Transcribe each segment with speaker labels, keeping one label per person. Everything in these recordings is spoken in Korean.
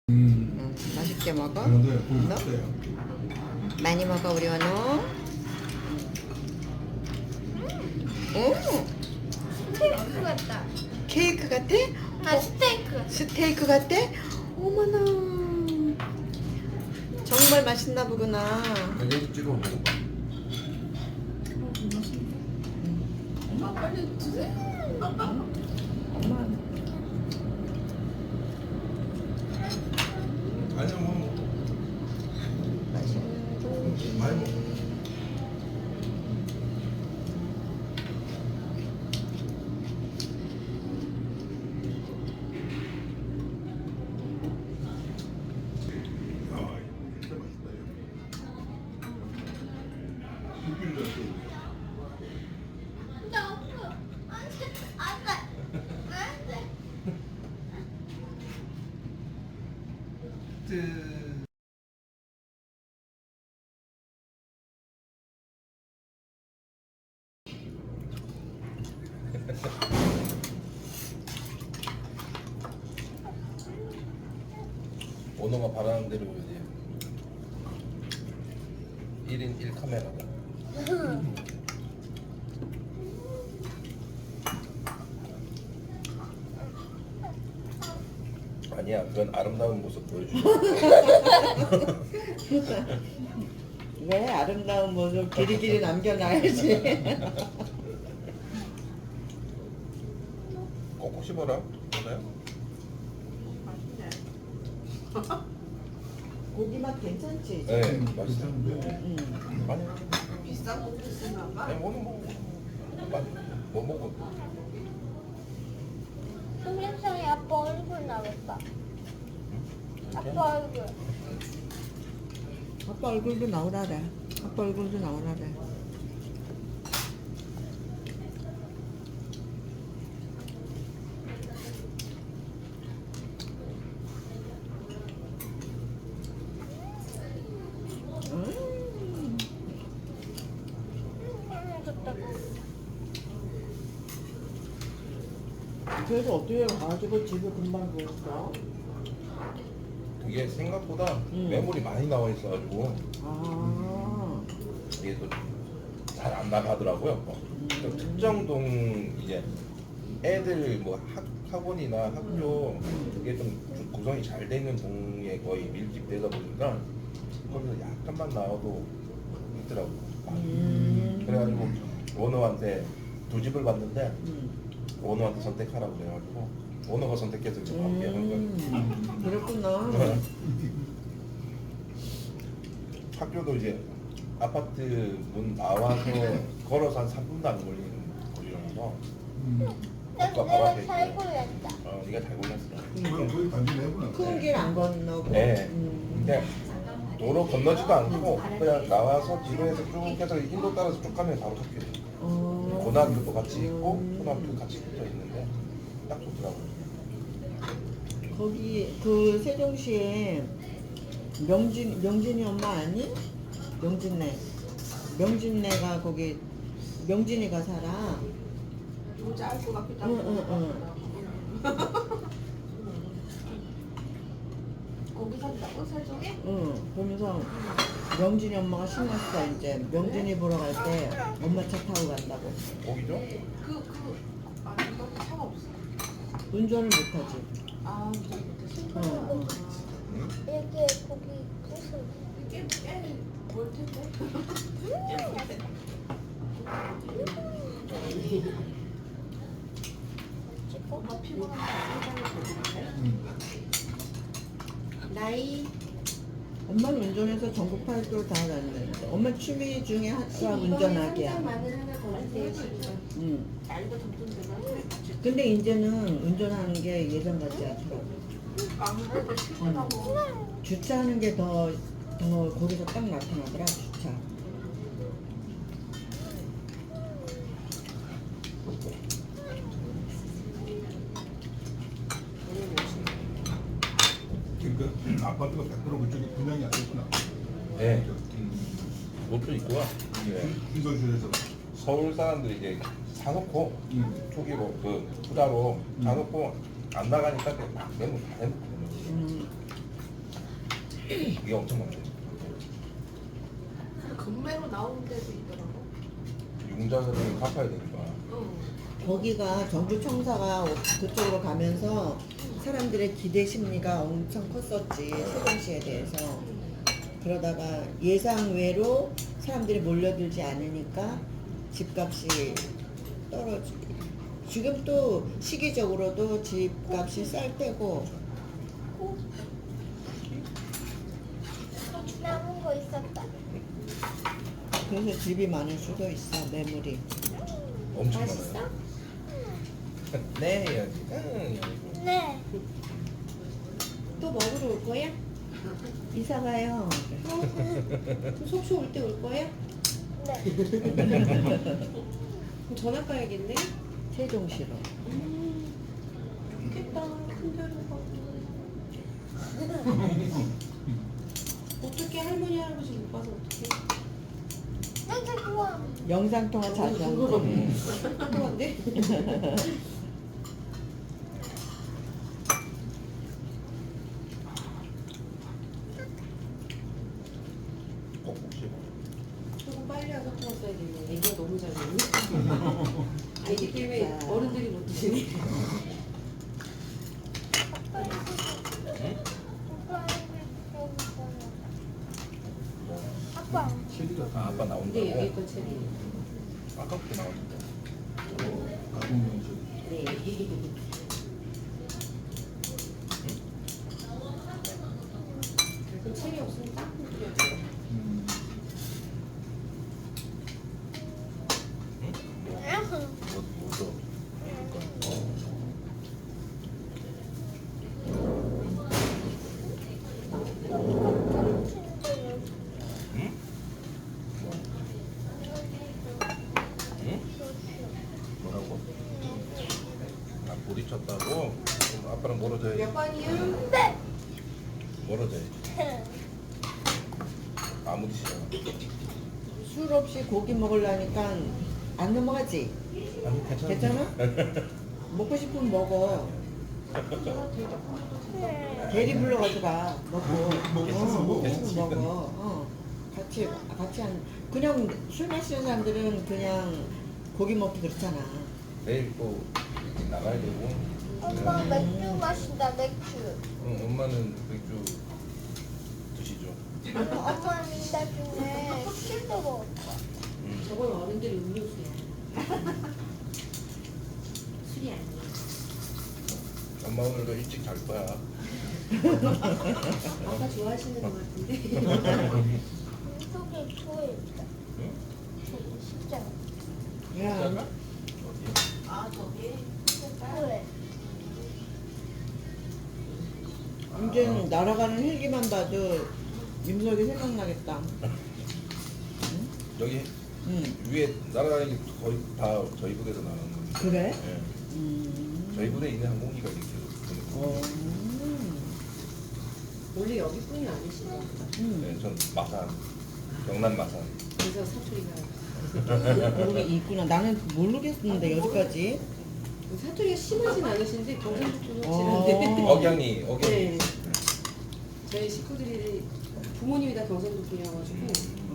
Speaker 1: 맛있게 먹어.
Speaker 2: 네,
Speaker 1: 너? 많이 먹어 우리 원호. 오,
Speaker 3: 스테이크 같다.
Speaker 1: 케이크 같아?
Speaker 3: 아, 스테이크.
Speaker 1: 스테이크 같아? 어머나. 정말 맛있나 보구나.
Speaker 2: 여기 찍어 먹어봐.
Speaker 3: 엄마 빨리 드세요.
Speaker 1: 엄마.
Speaker 2: 아니야 뭐
Speaker 1: 맛있는
Speaker 2: 많이 먹어. 아, 진짜 맛있다 이거. 육개를 넣었어.
Speaker 3: 나 없어. 안 돼. 안 돼. 안 돼.
Speaker 4: 원호가 바라는 대로 이제 1인 1카메라다. 아니야, 그건 아름다운 모습 보여주지.
Speaker 1: 왜 아름다운 모습 길이길이 남겨놔야지.
Speaker 4: 꼭꼭 씹어라. 맞아요?
Speaker 1: 고기 맛 괜찮지?
Speaker 4: 네, 맛있어.
Speaker 1: 응.
Speaker 4: 아니야.
Speaker 5: 비싼 거 드시나 봐.
Speaker 4: 아니, 원호 먹어. 뭐 먹어?
Speaker 3: 동영상에 아빠 얼굴 나왔다. 아빠 얼굴.
Speaker 1: 아빠 얼굴도 나오라래. 아빠 얼굴도 나오라래.
Speaker 3: 좋다.
Speaker 1: 그래서 어떻게 가지고 집을 금방 구했어?
Speaker 4: 이게 생각보다
Speaker 1: 음.
Speaker 4: 매물이 많이 나와 있어가지고
Speaker 1: 아,
Speaker 4: 이게 또 잘 안 나가더라고요. 또 특정 동 이제 애들 뭐 학원이나 학교 그게 좀 구성이 잘 돼 있는 동에 거의 밀집되다 보니까 거기서 약간만 나와도 있더라고. 그래가지고 원호한테 두 집을 봤는데 원호한테 선택하라고 그래가지고 원호가 선택해서 이제 함께 한 거예요.
Speaker 1: 그랬구나.
Speaker 4: 학교도 이제 아파트 문 나와서 걸어서 한 3분도 안 걸리는 거리라서 학과 바로 앞에
Speaker 3: 내가 잘
Speaker 4: 있고.
Speaker 3: 골랐다.
Speaker 4: 네가 잘 골랐어.
Speaker 2: 그럼 거기 단지 내구나.
Speaker 1: 큰 길 안 건너고.
Speaker 4: 네. 근데 도로 건너지도 않고 그냥 나와서 뒤로에서 쭉 해서 인도 따라서 쭉 가면 바로 학교예요.
Speaker 1: 어.
Speaker 4: 고등학교도 같이 있고 초등학교 같이 붙어 있는데 딱 좋더라고요.
Speaker 1: 거기 그 세종시에 명진이 엄마 아니? 명진네가 거기 명진이가 살아.
Speaker 5: 모자 알것 같기도
Speaker 1: 응,
Speaker 5: 하고. 거기 산다고 세종에?
Speaker 1: 응. 그러면서 명진이 엄마가 신났어. 이제 명진이 보러 갈 때 엄마 차 타고 간다고.
Speaker 4: 거기죠?
Speaker 5: 아니 거기 차가 없어.
Speaker 1: 운전을 못하지.
Speaker 5: 아 운전 못했어.
Speaker 1: 응, 응.
Speaker 4: 응?
Speaker 3: 이게 거기 무슨
Speaker 5: 꽤멀 텐데. 엄마 피곤하면 나이
Speaker 1: 엄마는 운전해서 전국 팔도를 다 다녔는데 엄마 취미 중에 하나가 운전하기야.
Speaker 5: 마늘 하나 더 주세요.
Speaker 1: 응.
Speaker 5: 나이가 점점 들면
Speaker 1: 근데 이제는 운전하는 게 예전 같지 않더라고.
Speaker 5: 아무래도 피곤하고.
Speaker 1: 주차하는 게 더 거기서 딱 나타나더라, 주차.
Speaker 2: 그러니까 아파트가 100% 그쪽에 분양이 안 됐구나.
Speaker 4: 네. 옷도 입고요. 네.
Speaker 2: 인도시에서.
Speaker 4: 서울 사람들이 이제 사놓고 초기로 그 투자로
Speaker 2: 음.
Speaker 4: 사놓고 안 나가니까 막 매물 다 해놓고. 이게 엄청 많죠.
Speaker 5: 금매로 나오는 데도 있더라고.
Speaker 4: 융자를 갚아야 되니까.
Speaker 5: 응.
Speaker 1: 거기가 정부청사가 그쪽으로 가면서 사람들의 기대 심리가 엄청 컸었지, 세종시에 대해서. 그러다가 예상 외로 사람들이 몰려들지 않으니까 집값이 떨어지고, 지금 또 시기적으로도 집값이 쌀 때고.
Speaker 3: 남은 거 있었다.
Speaker 1: 그래서 집이 많을 수도 있어, 매물이.
Speaker 4: 엄청
Speaker 5: 맛있어?
Speaker 4: 많아요. 네 해야지. 응.
Speaker 3: 네.
Speaker 5: 또 먹으러 올 거야?
Speaker 1: 이사 가요.
Speaker 5: 그럼 속초 올 때 올 거야?
Speaker 3: 네.
Speaker 5: 그럼 전화 가야겠네?
Speaker 1: 세종시로.
Speaker 5: 좋겠다. 큰 데로 가고. 어떻게 할머니 할아버지 못 봐서 어떡해?
Speaker 3: 진짜 좋아.
Speaker 1: 영상통화 자주 하는 거.
Speaker 5: 궁금한데?
Speaker 4: 꼭 혹시
Speaker 5: 조금 빨리 와서 왔어야 되네. 애기가 너무 잘 먹네. 애기 때문에 어른들이 못 드시네.
Speaker 3: 아빠.
Speaker 2: 체리가
Speaker 4: 아빠
Speaker 5: 근데
Speaker 4: 나온다고.
Speaker 5: 여기 거 체리.
Speaker 4: 아까부터 나왔는데.
Speaker 2: 가공용 체리.
Speaker 5: 네. 그럼 체리 없으면 땅콩 뿌려줘.
Speaker 4: 뭐죠? 응? 응? 뭐라고? 아 부딪혔다고? 그럼 아빠랑 멀어져야지.
Speaker 5: 몇 번이야?
Speaker 3: 네.
Speaker 4: 멀어져야지. 아무 짓이야.
Speaker 1: 술 없이 고기 먹으려니까 안 넘어가지?
Speaker 4: 아니 괜찮아.
Speaker 1: 괜찮아? 먹고 싶으면 먹어. 대리 불러가지고 가. 먹고.
Speaker 2: 먹겠어, 먹어.
Speaker 1: 먹어. 같이 그냥 술 마시는 사람들은 그냥 고기 먹기 그렇잖아.
Speaker 4: 내일 또 나가야 되고.
Speaker 3: 엄마 맥주 마신다 맥주.
Speaker 4: 응, 엄마는 맥주 드시죠.
Speaker 3: 엄마는 나중에 술도 먹을 거야.
Speaker 4: 응.
Speaker 5: 저건 어른들이 음료수야. 술이 아니야.
Speaker 4: 엄마 오늘도 일찍 잘 거야.
Speaker 5: 아빠 좋아하시는 것 같은데.
Speaker 3: 속에 좋아했다.
Speaker 4: 응?
Speaker 3: 진짜.
Speaker 1: 야,
Speaker 4: 어디?
Speaker 5: 아 저기?
Speaker 3: 왜?
Speaker 1: 이제는 날아가는 헬기만 봐도 임석이 생각나겠다.
Speaker 4: 여기
Speaker 1: 응.
Speaker 4: 위에 날아다니는 게 거의 다 저희 부대에서 나가는 거예요.
Speaker 1: 그래?
Speaker 4: 네. 저희 부대에 있는 항공기가 이렇게 되는 거예요.
Speaker 5: 원래 여기뿐이 아니시나 보다.
Speaker 4: 네, 전 마산, 경남 마산.
Speaker 5: 그래서 사투리가
Speaker 1: 거기 있구나. 나는 모르겠는데 여기까지.
Speaker 5: 사투리가 심하진 않으신데 경상도 쪽은
Speaker 1: 어.
Speaker 5: 지는데.
Speaker 4: 억양이
Speaker 5: 네. 저희 식구들이 부모님이 다 경상도 분이어가지고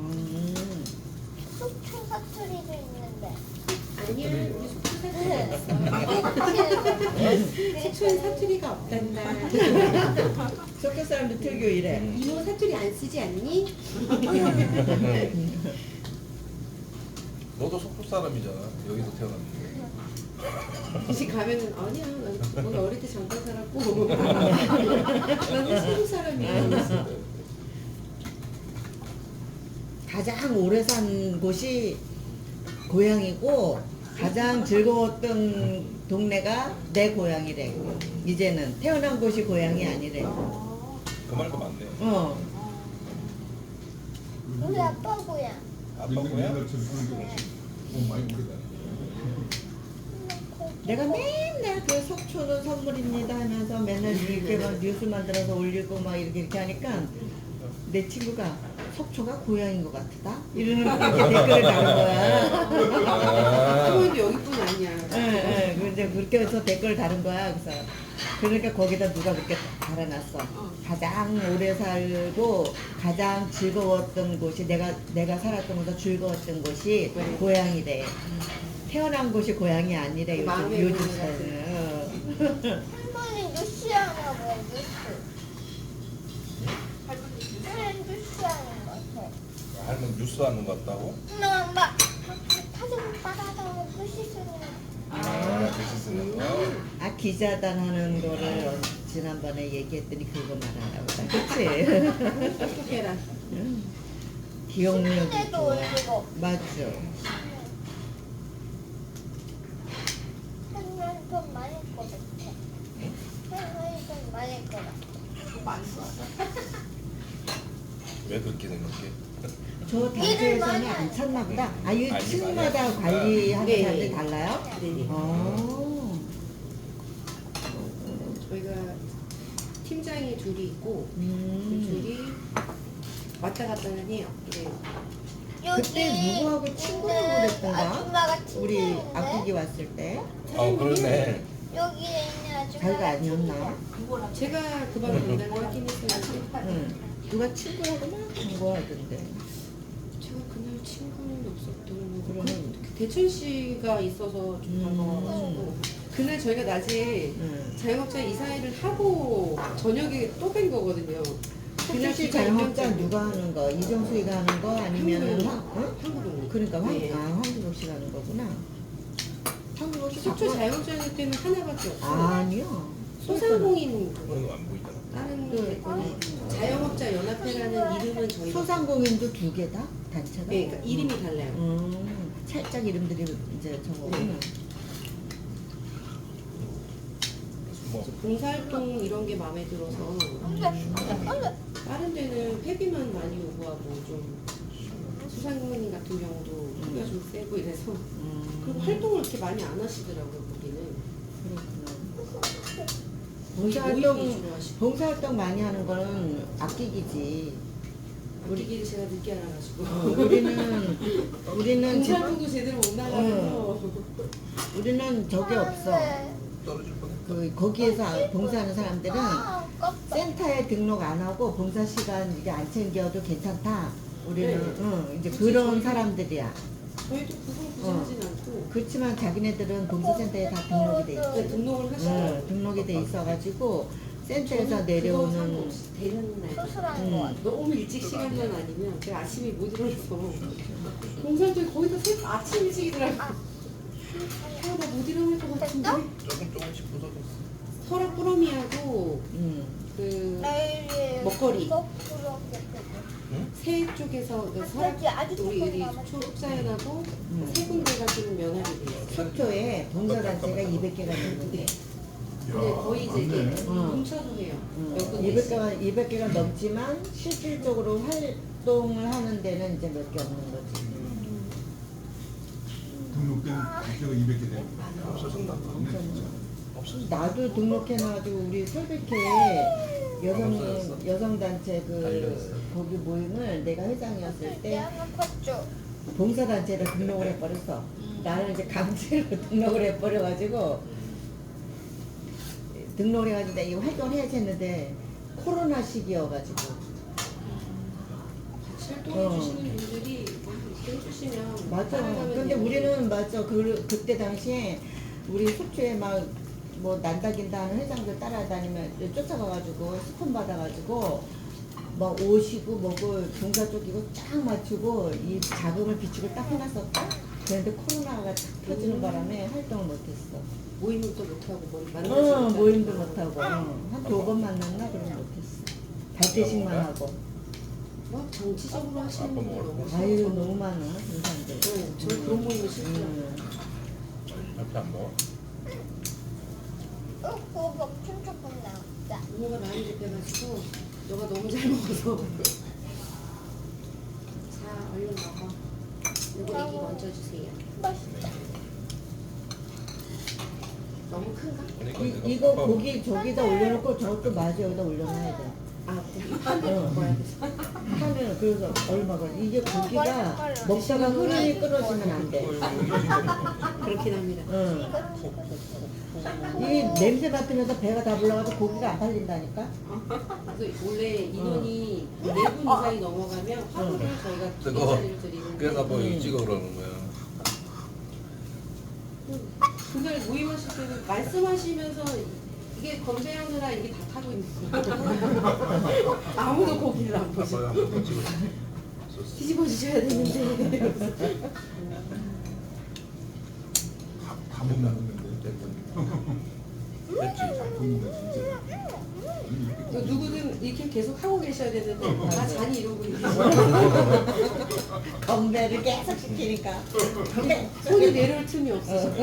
Speaker 3: 속초 사투리도 있는데.
Speaker 5: 아니야 우리 속초 사투리가 없어. 속초엔 사투리가 없단다.
Speaker 1: 석교 사람들 특유 이래.
Speaker 5: 이모 사투리 안 쓰지 않니?
Speaker 4: 너도 속초 사람이잖아. 여기서 태어났는데.
Speaker 5: 다시 가면은 아니야 난 거기 어릴 때 잠깐 살았고 나는 서울 사람이야.
Speaker 1: 가장 오래 산 곳이 고향이고 가장 즐거웠던 동네가 내 고향이래. 이제는 태어난 곳이 고향이 아니래.
Speaker 4: 그 말도 맞네.
Speaker 3: 우리 아빠 고향.
Speaker 4: 아빠 고향?
Speaker 2: 옛날처럼 그런 게 없이 너무 많이 오래다.
Speaker 1: 내가 맨날 그 속초는 선물입니다 하면서 맨날 이렇게 막 뉴스 만들어서 올리고 막 이렇게 하니까 내 친구가 속초가 고향인 것 같다? 이러는 댓글을 다는 거야.
Speaker 5: 부모님도 여기뿐 아니야.
Speaker 1: 예, 예. 이제 그렇게 해서 댓글을 다는 거야. 그래서 그러니까 거기다 누가 그렇게 달아놨어. 가장 오래 살고 가장 즐거웠던 곳이 내가 살았던 곳에서 즐거웠던 곳이
Speaker 5: 네.
Speaker 1: 고향이래. 태어난 곳이 고향이 아니래. 요즘
Speaker 5: 마음의
Speaker 1: 요즘
Speaker 5: 고향이
Speaker 1: 사는.
Speaker 3: 할머니 뉴스 하나 봐요, 뉴스. 할머니 뉴스 하는 거 같아.
Speaker 4: 할머니 뉴스 하는 것 같다고?
Speaker 3: 엄마, 사진 빨아서 글씨 쓰는 거.
Speaker 4: 글씨 쓰는 거.
Speaker 1: 아 기자단 하는 거를 지난번에 얘기했더니 그거 말하나 보다. 그치?
Speaker 5: 똑똑해라.
Speaker 1: 응. 기억력이
Speaker 3: 사진에도
Speaker 1: 좋아.
Speaker 3: 올리고.
Speaker 1: 맞죠.
Speaker 3: 할머니 돈 많을 것 같아. 할머니 돈 많을 것 같아.
Speaker 4: 왜 그렇게 생각해?
Speaker 1: 저 단체에서는 안 찾나 보다. 아, 이
Speaker 4: 아니,
Speaker 1: 층마다
Speaker 4: 많이
Speaker 1: 관리하는
Speaker 5: 네.
Speaker 1: 사람들이 달라요?
Speaker 5: 네네.
Speaker 1: 어.
Speaker 5: 저희가 팀장이 둘이 있고 그
Speaker 1: 음.
Speaker 5: 둘이 왔다 갔다는 해요. 네.
Speaker 1: 그때 누구하고 친구라고 그랬던가?
Speaker 3: 아줌마가
Speaker 1: 우리
Speaker 3: 친구인데
Speaker 1: 아프기 왔을 때
Speaker 4: 그러네.
Speaker 3: 여기에 있는 아줌마가
Speaker 1: 자기가 아니었나?
Speaker 5: 제가 그 방을 본다고 확인했어요.
Speaker 1: 응. 누가 친구라고 막 광고하던데.
Speaker 5: 제가 그날 친구는 없었던 거.
Speaker 1: 그러면-
Speaker 5: 그 대천 씨가 있어서 좀 반가워가지고 그날 저희가 낮에
Speaker 1: 응.
Speaker 5: 자영업자 이사회를 하고 저녁에 또 뵌 거거든요.
Speaker 1: 혹시 자영업자 누가 하는 거? 이정수이가 하는 거 아니면 응?
Speaker 5: 한국은
Speaker 1: 그러니까
Speaker 5: 네.
Speaker 1: 황기복 씨가 하는 거구나. 황기복 씨
Speaker 5: 속초
Speaker 1: 자꾸-
Speaker 5: 자영업자 때는 하나밖에 없어.
Speaker 1: 아니요.
Speaker 5: 소상공인 그거
Speaker 4: 그건 안 보이잖아.
Speaker 5: 다른
Speaker 1: 그-
Speaker 5: 데거는 자영업자 연합회라는 이름은 저희가
Speaker 1: 소상공인도 두 개다 단체가.
Speaker 5: 네, 그러니까 이름이 달라요.
Speaker 1: 살짝 이름들이 이제 저거구나.
Speaker 4: 뭐
Speaker 5: 봉사활동 이런 게 마음에 들어서 다른 데는 폐비만 많이 요구하고 좀 소상공인 같은 경우도 폐비가 좀 세고 이래서 그리고 활동을 이렇게 많이 안 하시더라고요 거기는.
Speaker 1: 그렇구나.
Speaker 5: 모임
Speaker 1: 봉사활동
Speaker 5: 위주로 하시고.
Speaker 1: 봉사활동 많이 하는 거는 악기기지.
Speaker 5: 우리끼리 제가 늦게 알아가지고
Speaker 1: 우리는 지금
Speaker 5: 봉사활동도 제대로 못 나가서
Speaker 1: 우리는 저게 없어.
Speaker 4: 떨어질 뻔했다.
Speaker 1: 그 거기에서 봉사하는 사람들은
Speaker 3: 아, 깜짝.
Speaker 1: 센터에 등록 안 하고 봉사 시간 이게 안 챙겨도 괜찮다. 우리는
Speaker 5: 네.
Speaker 1: 응, 이제
Speaker 5: 그치,
Speaker 1: 그런
Speaker 5: 저희-
Speaker 1: 사람들이야.
Speaker 5: 저희도 그걸 굳이 하진 않고
Speaker 1: 그렇지만 자기네들은 봉사센터에 다 등록이 돼 있어.
Speaker 5: 네, 등록을 하시더라고요.
Speaker 1: 등록이 돼 있어가지고 센터에서
Speaker 5: 그거
Speaker 1: 내려오는
Speaker 5: 상관없이 되는 날
Speaker 3: 수술한 거 같아.
Speaker 5: 너무 일찍 시간만 아니면 제가 아침에 못 일어나서 봉사활동이 거의 다 아침 일찍이더라고요. 나 못 일어날 것 같은데.
Speaker 4: 조금씩 부서졌어.
Speaker 5: 설악 꾸러미하고 그
Speaker 3: 내일이
Speaker 5: 먹거리.
Speaker 3: 거꾸로
Speaker 5: 새 쪽에서 그 설악
Speaker 3: 갑자기 아주
Speaker 5: 우리
Speaker 3: 조금
Speaker 5: 우리
Speaker 3: 남았어.
Speaker 5: 초록사연하고 세 군데가 지금 면합이 돼요.
Speaker 1: 속초에 봉사단체가 200개가 넘는데
Speaker 5: 근데 거의 이제 이게
Speaker 2: 맞네.
Speaker 5: 뭉쳐서 해요. 몇 군데
Speaker 1: 200개가 넘지만 실질적으로 활동을 하는 데는 이제 몇 개 없는 거지.
Speaker 2: 등록된 국제가 200개 되는
Speaker 4: 없어졌나? 없어졌어.
Speaker 1: 나도 등록해놔가지고 우리 설백회 여성단체 그
Speaker 4: 알려졌어요.
Speaker 1: 거기 모임을 내가 회장이었을 때
Speaker 3: 내가 컸죠.
Speaker 1: 봉사단체를 등록을 해버렸어. 나는 이제 강제로 등록을 해버려가지고 등록을 해가지고 내가 이 활동을 해야지 했는데 코로나 시기여가지고
Speaker 5: 같이 활동해 주시는 분들이 이렇게 해주시면
Speaker 1: 맞아.
Speaker 5: 따라가면
Speaker 1: 근데
Speaker 5: 돼요.
Speaker 1: 우리는 맞아. 그때 당시에 우리 속초에 막 뭐 난다긴다 하는 회장들 따라다니면 쫓아가가지고 스폰 받아가지고 막 오시고 뭐고 봉사 쪽이고 쫙 맞추고 이 자금을 비축을 딱 해놨었다. 그런데 코로나가 탁 터지는 바람에 활동을 못했어.
Speaker 5: 모임을 또 못하고 뭐 만나서
Speaker 1: 모임도 못하고 한 2번 만났나 그럼 못했어. 발대식만 하고.
Speaker 5: 막 정치적으로 하시는
Speaker 4: 아빠
Speaker 5: 분들
Speaker 4: 먹을
Speaker 5: 너무
Speaker 4: 거.
Speaker 1: 아유
Speaker 5: 싫어서.
Speaker 1: 너무 많아 그런 사람들.
Speaker 5: 저 그런 모임은 싫더라고요.
Speaker 4: 이렇게 안 먹어?
Speaker 3: 그거 엄청 조금 나왔다.
Speaker 5: 부모가 많이 접해가지고 너가 너무 잘 먹어서 자 얼른 먹어. 이거 애기 먼저 주세요.
Speaker 3: 맛있다.
Speaker 5: 너무 큰가?
Speaker 4: 그러니까 내가
Speaker 1: 이거
Speaker 4: 아빠
Speaker 1: 고기 저기다 올려놓고 저것도 마저 여기다 올려놔야 돼.
Speaker 5: 아 고기 판을 먹어야 돼서.
Speaker 1: 하면 그래서 얼마가 이게 고기가 먹다가 흐름이 끊어지면 안 돼.
Speaker 4: 이거
Speaker 5: 그렇긴 합니다.
Speaker 1: 응. 이 냄새 맡으면서 배가 다 불러가지고 고기가 안 팔린다니까.
Speaker 5: 그래서 원래 인원이 4분 이상이 넘어가면 화분을 저희가
Speaker 4: 그거
Speaker 5: 2개짜리를 드리는데
Speaker 4: 그래서 뭐 찍어 그러는 거야.
Speaker 5: 그날 모임하실 때는 말씀하시면서 이게 건배하느라 이게 다 타고 있는 거예요. 아무도 고기를 안 보시고
Speaker 4: 아빠가 한번 찍어.
Speaker 5: 뒤집어 주셔야 되는데.
Speaker 2: 다 못 나누는데.
Speaker 4: 됐지.
Speaker 2: 굶으면 진짜.
Speaker 5: 누구든 이렇게 계속 하고 계셔야 되는데 다 잔이 이러고 있는
Speaker 1: 건배를 계속 시키니까.
Speaker 5: 손이 내려올 틈이 없어서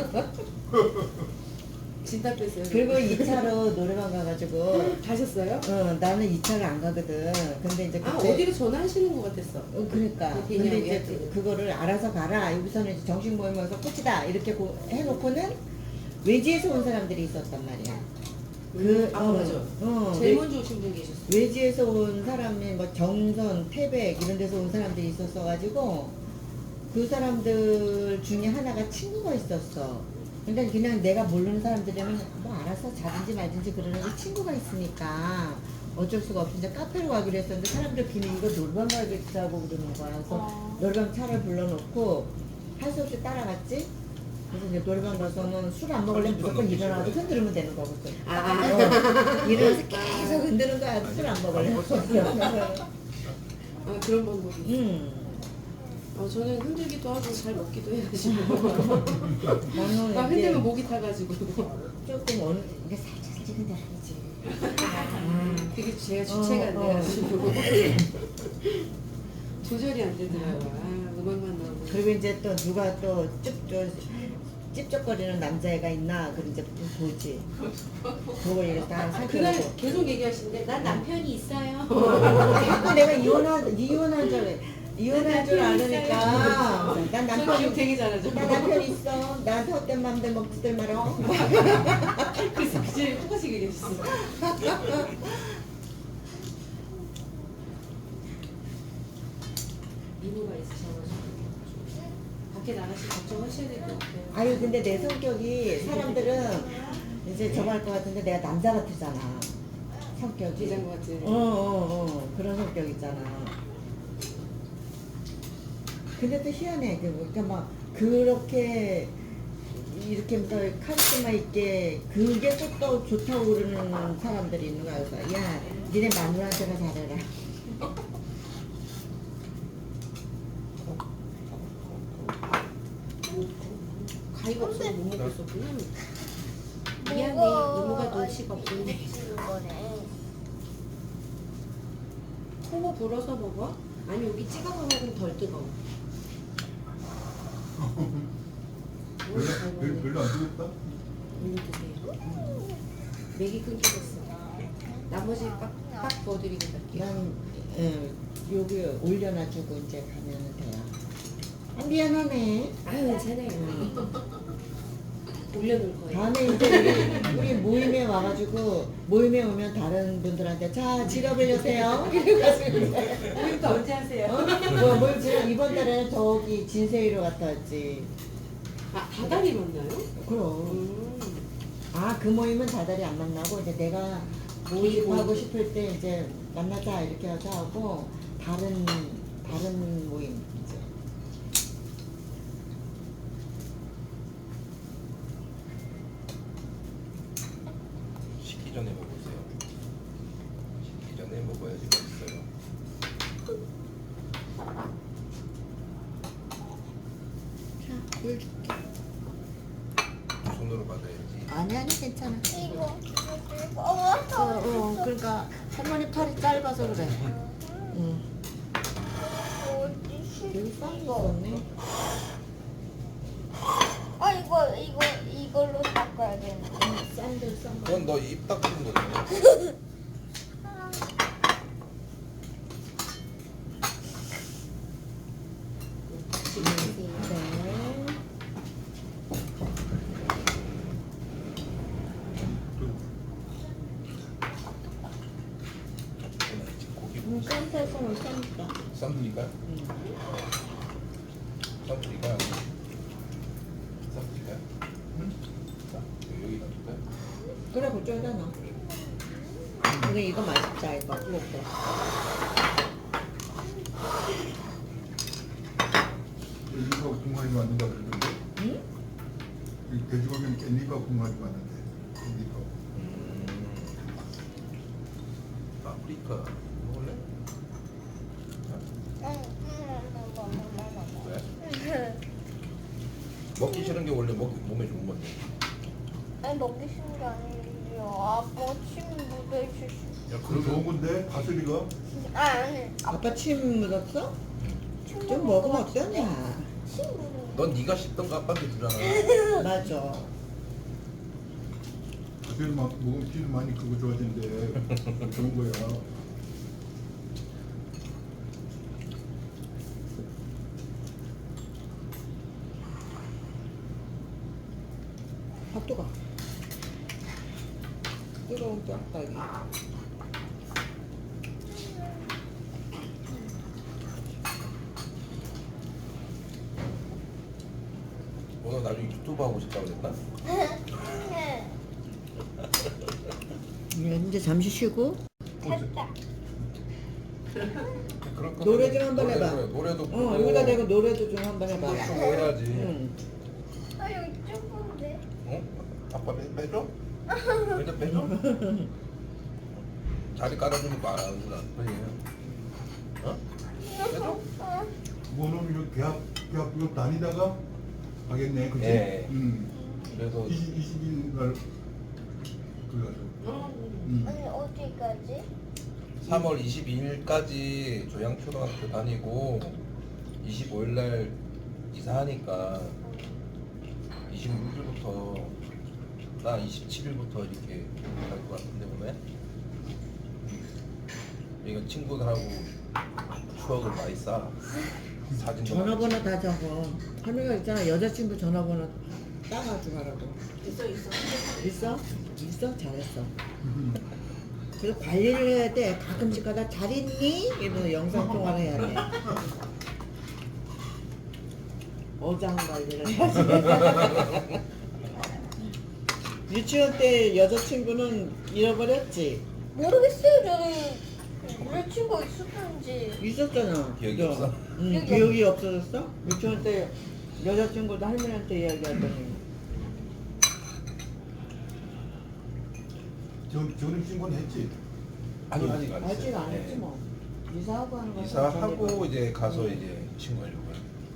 Speaker 5: 진짜 뺐어요.
Speaker 1: 그리고 2차로 노래방 가가지고
Speaker 5: 가셨어요?
Speaker 1: 나는 2차를 안 가거든. 근데 이제
Speaker 5: 아
Speaker 1: 그때
Speaker 5: 어디로 전화하시는 것 같았어.
Speaker 1: 그러니까
Speaker 5: 그
Speaker 1: 근데 이제
Speaker 5: 개념이야.
Speaker 1: 그거를 알아서 가라. 여기서는 이제 정식 모임에서 끝이다. 이렇게 해놓고는 외지에서 온 사람들이 있었단 말이야.
Speaker 5: 맞아. 제일 먼저 오신 분 계셨어.
Speaker 1: 외지에서 온 사람이 뭐 정선, 태백 이런 데서 온 사람들이 있었어가지고 그 사람들 중에 하나가 친구가 있었어. 그러니까 그냥 내가 모르는 사람들이면 뭐 알아서 자든지 말든지 그러는데 친구가 있으니까 어쩔 수가 없이 이제 카페로 가기로 했었는데 사람들 비밀 이거 놀방 가겠다고 그러는 거야. 그래서 놀방 차를 불러놓고 할 수 없이 따라갔지. 그래서 이제 노래방 가서는 술 안 먹으려면 무조건 일어나서 흔들면 되는 거거든. 일어나서 계속 흔드는 거야. 술 안 먹으려면.
Speaker 5: 아 그런 방법이. 저는 흔들기도 하고 잘 먹기도 해가지고
Speaker 1: 나는
Speaker 5: 막
Speaker 1: 이제
Speaker 5: 흔들면 목이 타가지고
Speaker 1: 조금 어느 이게 살짝 근데 아니지.
Speaker 5: 그게 제가 주체가 안 돼가지고 조절이 안 되더라고요. 음악만 나오고.
Speaker 1: 그리고 이제 또 누가 또 찝쩍거리는 남자애가 있나 그걸 이제 보지. 그걸 이렇게 다 살펴보고.
Speaker 5: 그날 계속 얘기하시는데 난 남편이 있어요.
Speaker 1: 자꾸 내가 이혼한 줄 아니까 난
Speaker 5: 저 기억
Speaker 1: 남편이
Speaker 5: 되게 잘하죠.
Speaker 1: 나 남편 있어. 나한테 헛된 맘들 먹지들 말어.
Speaker 5: 그래서 그제 똑같이 얘기하셨어요. 미모가 있으셔가지고 밖에 나가시 걱정하셔야 될 것 같아요.
Speaker 1: 아유 근데 내 성격이 사람들은 이제 저거 할 것 같은데 내가 남자 같잖아. 성격이.
Speaker 5: 기장과 같은.
Speaker 1: 그런 성격 있잖아. 근데 또 희한해. 그러니까 막 그렇게 이렇게 하면서 카리스마 있게 그게 또 좋다고 그러는 사람들이 있는 거야. 그래서 야 니네 마누라한테나 잘해라.
Speaker 5: 가위가 없어서 못 먹었었구나. 미안해. 이모가 눈치가 없는데. 코로 불어서 먹어? 아니 여기 찍어서 먹으면 덜 뜨거워.
Speaker 2: 별로 안 뜨겁다?
Speaker 5: 이거 드세요. 맥이 끊기겠어. 나머지 빡 부어드리고 갈게요.
Speaker 1: 난 여기 올려놔주고 이제 가면 돼요. 아, 미안하네.
Speaker 5: 아유 괜찮아요. 올려놓을 거예요.
Speaker 1: 다음에 이제 우리 모임에 와가지고 모임에 오면 다른 분들한테 자 지갑을 여세요. 이래가지고 이제
Speaker 5: 모임도 언제 하세요?
Speaker 1: 모임 지금 이번 달에는 저기 진세이로 갔다 왔지.
Speaker 5: 아 다달이 만나요?
Speaker 1: 그럼. 아 그 모임은 다달이 안 만나고 이제 내가 모임하고 싶을 때 이제 만나자 이렇게 하고 다른 모임 이제.
Speaker 4: 식기 전에 먹으세요. 식기 전에 먹어야지 맛있어요.
Speaker 1: 자, 물 줄게.
Speaker 4: 손으로 받아야지.
Speaker 1: 아니 괜찮아.
Speaker 3: 이거 무거워.
Speaker 1: 그러니까 할머니 팔이 짧아서 그래. 응. 여기 싼 거 없네.
Speaker 3: 이걸로 닦아야 되는데.
Speaker 1: 싼데 싼 거.
Speaker 4: 그건 너 입 닦는 거잖아.
Speaker 1: 네.
Speaker 4: 고기
Speaker 1: 쌈새송은 싸니까.
Speaker 4: 쌈드릴까요? 쌈드릴까요? 쌈드릴까요?
Speaker 1: 그쪽에다 넣어. 근데 이거 맛있다 이거 이것도.
Speaker 2: 깻잎하고 궁합이 맞는다 그러던데.
Speaker 1: 응?
Speaker 2: 이 돼지고기는 깻잎하고 궁합이 맞는데. 깻잎하고.
Speaker 4: 파프리카 먹을래? 왜? 먹기 싫은 게 원래 몸에 좋은 건데.
Speaker 3: 아니 먹기 싫은 게 아니에요. 아빠 침 묻어있을 수.
Speaker 4: 야,
Speaker 2: 그거 좋은 건데 파슬리가
Speaker 3: 아니.
Speaker 1: 아빠 침 묻었어?
Speaker 3: 침
Speaker 1: 좀 먹으면 어떠냐?
Speaker 3: 침 묻어.
Speaker 4: 넌 네가 씹던 거 아빠한테 주잖아.
Speaker 1: 맞아.
Speaker 2: 파슬리 막 먹으면 피를 많이 크고 좋아진대. 좋은 거야.
Speaker 1: 아 뜨거. 뜨거운 뼈다귀.
Speaker 4: 너 나중에 유튜브 하고 싶다고 그랬나?
Speaker 1: 이제 잠시 쉬고
Speaker 3: 됐다.
Speaker 4: 그런 거
Speaker 1: 노래 좀 한번 해봐.
Speaker 4: 노래도
Speaker 1: 여기다 대고 노래도 좀 한번 해봐.
Speaker 4: 좀 해야지.
Speaker 1: 응.
Speaker 3: 아 여기 좁은데.
Speaker 4: 어? 아빠 빼줘? 일단 빼줘? 자리 깔아주면 말하는구나. 어? 빼줘?
Speaker 2: 그거는 이거 계약 이거 다니다가 하겠네, 그치?
Speaker 4: 예.
Speaker 2: 음.
Speaker 4: 그래서
Speaker 2: 20일 날 그래가지고.
Speaker 3: 아니 어디까지?
Speaker 4: 3월 22일까지 조양초등학교 다니고 25일 날 이사하니까 26일부터 나 27일부터 이렇게 갈 것 같은데 보면 이거 친구들하고 추억을 많이 쌓아. 사진도
Speaker 1: 전화번호 다 적어. 할머니가 있잖아 여자친구 전화번호 따가지고 가라고.
Speaker 5: 있어.
Speaker 1: 있어? 있어? 잘했어. 그래서 관리를 해야 돼. 가끔씩 가다 잘 있니? 이러면서 영상통화를 해야 돼. 어장 관리를 해야지. 유치원 때 여자친구는 잃어버렸지?
Speaker 3: 모르겠어요. 저는 여자친구 있었던지.
Speaker 1: 있었잖아.
Speaker 4: 기억이
Speaker 1: 그거.
Speaker 4: 없어?
Speaker 1: 응,
Speaker 3: 기억이
Speaker 1: 기억이 없어졌어? 유치원 때 여자친구도 할머니한테 이야기하더니
Speaker 2: 전입 신고는 했지?
Speaker 4: 아니 아직 안
Speaker 1: 아직
Speaker 4: 했어요.
Speaker 1: 안 했지
Speaker 4: 네.
Speaker 1: 뭐. 이사하고 하는 거.
Speaker 4: 이사하고 이제 가서 이제 신고하려고요.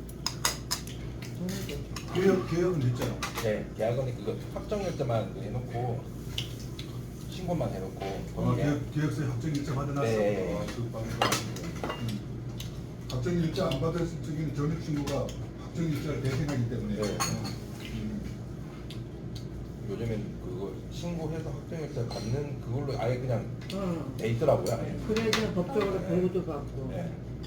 Speaker 2: 계약은 했잖아.
Speaker 4: 네, 계약은 그거 확정일자만 해놓고 신고만 해놓고
Speaker 2: 계약서에 확정일자 받아놨어.
Speaker 4: 네.
Speaker 2: 그 방법. 확정일자 안 받았을 적에는 전입 신고가 확정일자를 대행하기 때문에.
Speaker 4: 네. 요즘엔 그거 신고해서 확정일자 받는 그걸로 아예 그냥
Speaker 1: 응.
Speaker 4: 돼 있더라고요. 아예.
Speaker 1: 그래야지 법적으로 보호도 받고.
Speaker 4: 네.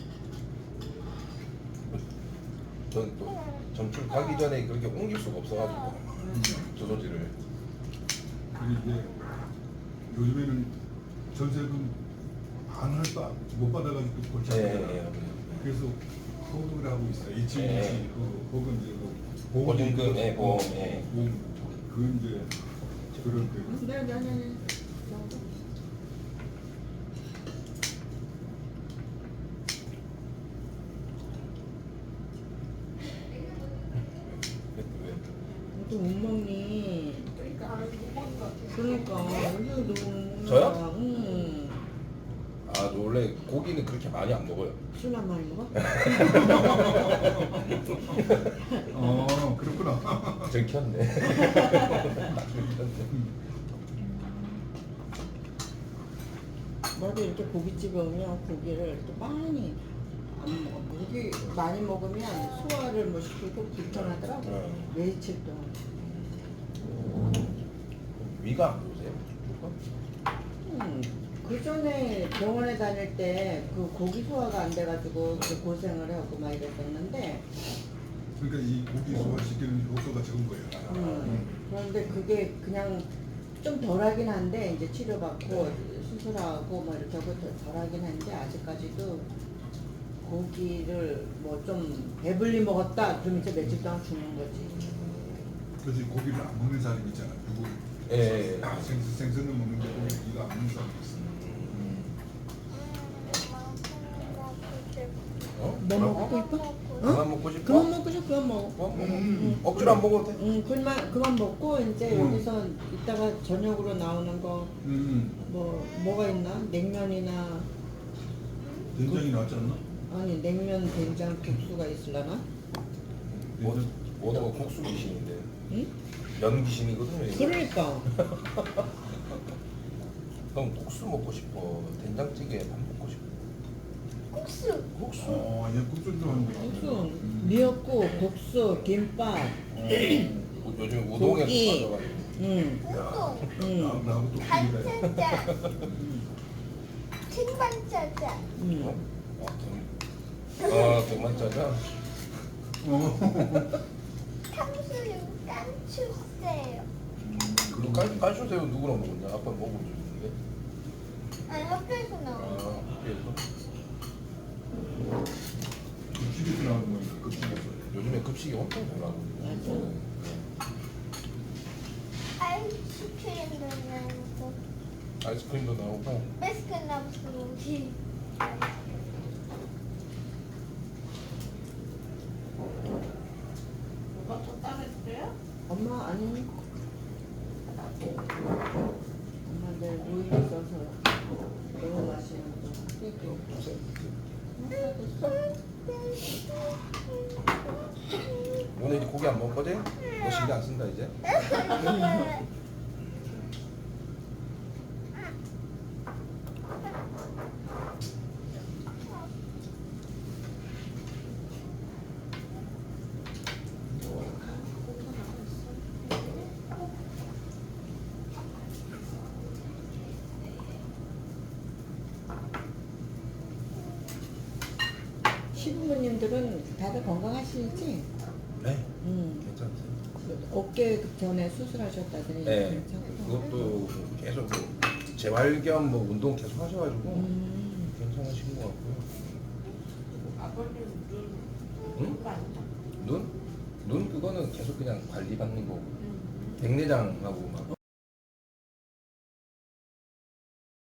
Speaker 4: 저는 또 전출 가기 전에 그렇게 옮길 수가 없어가지고 조소지를.
Speaker 2: 그리고 이제 요즘에는 전세금 못 받아가지고 골치 아프잖아.
Speaker 4: 네.
Speaker 2: 그래서 소득을 하고 있어. 일치
Speaker 4: 네.
Speaker 2: 혹은 이제 뭐
Speaker 4: 보증금, 네, 보험, 네.
Speaker 2: 그 이제 그런 그
Speaker 1: 네. 또 못 먹니? 그러니까 요즘 너무 못 먹는
Speaker 4: 저요?
Speaker 1: 거야. 응.
Speaker 4: 아, 저 원래 고기는 그렇게 많이 안 먹어요.
Speaker 1: 술만 많이 먹어?
Speaker 2: 그렇구나.
Speaker 4: 들켰네.
Speaker 1: 나도 이렇게 고깃집에 오면 고기를 이렇게 많이 안 먹어. 고기 많이 먹으면 소화를 뭐 시키고 불편하더라고. 며칠 동안.
Speaker 4: 위가 안 좋으세요?
Speaker 1: 그 전에 병원에 다닐 때 그 고기 소화가 안 돼가지고 그 고생을 하고 막 이랬었는데,
Speaker 2: 그러니까 이 고기 소화시키는 효과가 적은 거예요.
Speaker 1: 그런데 그게 그냥 좀 덜하긴 한데 이제 치료받고 수술하고 뭐 이렇게 하고 덜하긴 한데 아직까지도 고기를 뭐 좀 배불리 먹었다 그러면 이제 며칠 동안 죽는 거지.
Speaker 2: 그래서 고기를 안 먹는 사람이 있잖아. 누구
Speaker 4: 예.
Speaker 2: 아, 생선을 먹는데 이거 안 먹는 사람도 있어.
Speaker 4: 어?
Speaker 1: 뭐
Speaker 4: 뭐라고?
Speaker 1: 먹고 싶어?
Speaker 4: 그만 먹고 싶어?
Speaker 1: 그만 먹고 싶어. 그만 먹어.
Speaker 4: 그만 먹어. 억지로 안 먹어도 돼.
Speaker 1: 응, 그만 먹고 이제 여기서 이따가 저녁으로 나오는 거 뭐가 있나? 냉면이나
Speaker 2: 된장이 나왔지 않나?
Speaker 1: 아니 냉면 된장 국수가 있을라나?
Speaker 4: 뭐다가 국수 귀신인데.
Speaker 1: 응?
Speaker 4: 면 귀신이거든요. 이거.
Speaker 1: 그러니까
Speaker 4: 그럼 국수 먹고 싶어. 된장찌개 밥 먹고 싶어.
Speaker 3: 국수.
Speaker 4: 국수.
Speaker 2: 얘 국수 좋아하는 거.
Speaker 1: 국수, 미역국, 국수, 김밥,
Speaker 4: 요즘 우동에
Speaker 1: 고기.
Speaker 4: 좀 빠져가지고.
Speaker 1: 응,
Speaker 3: 우동.
Speaker 2: 나하고 또
Speaker 3: 간짜장. 층반짜장.
Speaker 1: 응.
Speaker 4: 등만짜장.
Speaker 3: 탕수육 깐추세요.
Speaker 4: 그리고 깔추새우 누구랑 먹었냐? 아빠 먹어주는데.
Speaker 3: 아니 학교에서 나온.
Speaker 4: 학교에서.
Speaker 2: 집에서 나오는 거니까 급식에서.
Speaker 4: 요즘에 급식이 엄청 잘 나오거든요.
Speaker 3: 아이스크림도 나오고
Speaker 4: 아이스크림도 나오고.
Speaker 3: 베스킨라빈스.
Speaker 5: 뭐가 또 따랐어요?
Speaker 1: 엄마 아니. 엄마 내일 모임 있어서 너무 맛있는 거. 땡겨.
Speaker 4: 오늘 이제 고기 안 먹거든? 너 신경 안 쓴다 이제?
Speaker 1: 시부모님들은 다들 건강하시지?
Speaker 4: 네.
Speaker 1: 응.
Speaker 4: 괜찮대요.
Speaker 1: 어깨 전에 수술하셨다더니
Speaker 4: 네.
Speaker 1: 괜찮고.
Speaker 4: 그것도 계속 뭐 재활 겸 뭐 운동 계속 하셔가지고 괜찮으신 것 같고요.
Speaker 5: 아버님 눈
Speaker 4: 응?
Speaker 5: 그거 아니야?
Speaker 4: 눈? 눈 그거는 계속 그냥 관리 받는 거고. 백내장하고 막